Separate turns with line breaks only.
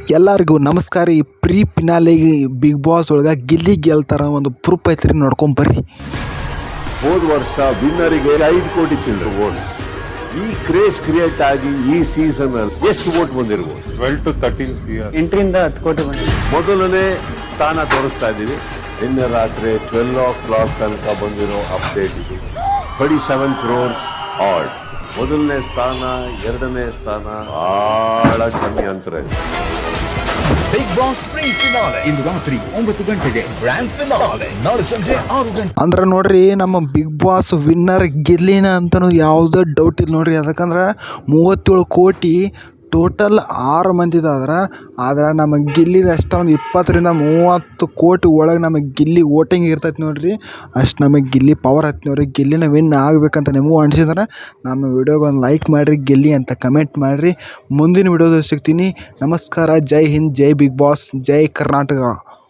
ಎಲ್ಲರಿಗೂ ನಮಸ್ಕಾರ. ಈ ಪ್ರೀ ಫಿನಾಲೆ ಬಿಗ್ ಬಾಸ್ ಒಳಗೆ ಗಿಲ್ಲಿ ಗೆಲ್ತಾರ ಒಂದು ಪ್ರೂಫ್ ಐತ್ರಿ, ನೋಡ್ಕೊಂಬರ್ರಿ.
ಹೋದ ವರ್ಷ ವಿನ್ನರಿಗೆ 5 ಕೋಟಿ ಚಿಲ್ಲರೆ ವೋಟ್. ಈ ಕ್ರೇಜ್ ಕ್ರಿಯೇಟ್ ಆಗಿ ಈ ಸೀಸನ್ ಅಲ್ಲಿ ಎಷ್ಟು ವೋಟ್ ಬಂದಿರ್ಬೋದು?
12 to 13 CR.
8ರಿಂದ 10 ಕೋಟಿ ಬಂದಿದೆ.
ಮೊದಲನೇ ಸ್ಥಾನ ತೋರಿಸ್ತಾ ಇದ್ದೀವಿ. ನಿನ್ನೆ ರಾತ್ರಿ 12 o'clock ತನಕ ಬಂದಿರೋ ಅಪ್ಡೇಟ್ ಇದು. 37 crores ಆಡ್. ಮೊದಲನೇ ಸ್ಥಾನ, ಎರಡನೇ ಸ್ಥಾನ ಬಹಳ ಕಮ್ಮಿ ಅಂತರ ಇದೆ.
ಬಿಗ್ ಬಾಸ್ ಪ್ರೀ ಫಿನಾಲೆ ಇಂದು ರಾತ್ರಿ 9 ಗಂಟೆಗೆ ಗ್ರ್ಯಾಂಡ್ ಫಿನಾಲೆ ನಾಳೆ ಸಂಜೆ 6 ಗಂಟೆ.
ಅಂದ್ರೆ ನೋಡ್ರಿ, ನಮ್ಮ ಬಿಗ್ ಬಾಸ್ ವಿನ್ನರ್ ಗಿಲ್ಲಿನ ಅಂತನೂ ಯಾವುದೋ ಡೌಟ್ ಇಲ್ಲ ನೋಡ್ರಿ. ಯಾಕಂದ್ರೆ 37 ಕೋಟಿ ಟೋಟಲ್ 6 ಮಂದಿದಾದ್ರೆ, ಆದ್ರೆ ನಮ್ಮ ಗಿಲ್ಲಿದ ಅಷ್ಟೊಂದು 20ರಿಂದ 30 ಕೋಟಿ ಒಳಗೆ ನಮಗೆ ಗಿಲ್ಲಿ ವೋಟಿಂಗ್ ಇರ್ತೈತೆ ನೋಡ್ರಿ. ಅಷ್ಟು ನಮಗೆ ಗಿಲ್ಲಿ ಪವರ್ ಹತ್ತಿ ನೋಡ್ರಿ. ಗಿಲ್ಲಿನ ವಿನ್ ಆಗಬೇಕಂತ ನಿಮಗೂ ಅನಿಸಿದ್ರೆ ನಮ್ಮ ವಿಡಿಯೋಗೆ ಒಂದು ಲೈಕ್ ಮಾಡಿರಿ, ಗಿಲ್ಲಿ ಅಂತ ಕಮೆಂಟ್ ಮಾಡಿರಿ. ಮುಂದಿನ ವಿಡಿಯೋದಲ್ಲಿ ಸಿಗ್ತೀನಿ. ನಮಸ್ಕಾರ. ಜೈ ಹಿಂದ್, ಜೈ ಬಿಗ್ ಬಾಸ್, ಜೈ ಕರ್ನಾಟಕ.